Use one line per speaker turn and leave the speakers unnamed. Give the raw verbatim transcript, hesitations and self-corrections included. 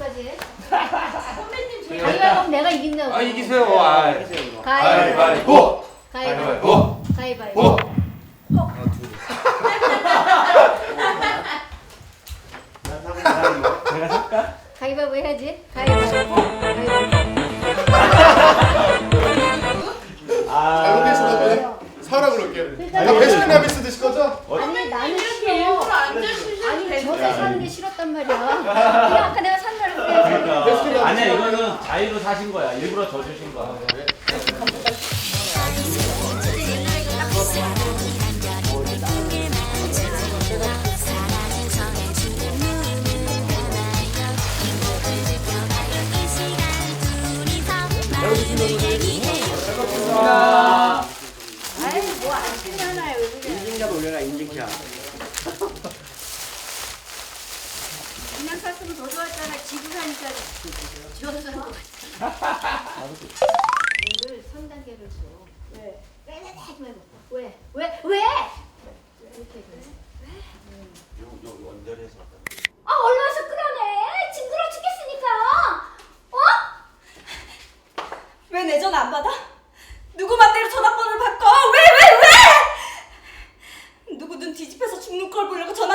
해야지.
선배님 제일
가위바위보 내가 이긴다고.
아 이기세요. 아,
가위바위보.
가위바위보.
가위바위보. 가위바위보.
보.
가위바위보 해야지. 가위바위보. 가위바위보.
잘못했으면 사라 그럴게. 나 베스킨라빈스 드실 거죠?
아니 나는
이렇게
싫어.
일부러 앉아주셔도
아니
되는
저게
거야.
사는 게 싫었단 말이야. 그냥 아까 내가 산다고 그래.
그러니까 아니야 이거는 자유로 사신 거야. 일부러 더 주신 거야. 자,
아이 뭐 아침에 하나요 왜 그래.
인증샷 올려라 인증샷.
그냥 샀으면 더 좋았잖아. 지구 사니까 지어서 산 거. 오늘 삼 단계를 줘. 왜? 왜? 왜? 왜? 왜? 왜? 이렇게 그래.
여기 원전에서
아 얼마서 끌어내? 징그러 죽겠으니까. 어?
왜 내 전화 안 받아? 누구 맘대로 전화번호를 바꿔? 왜 왜 왜? 누구 눈 뒤집혀서 죽는 걸 보려고 전화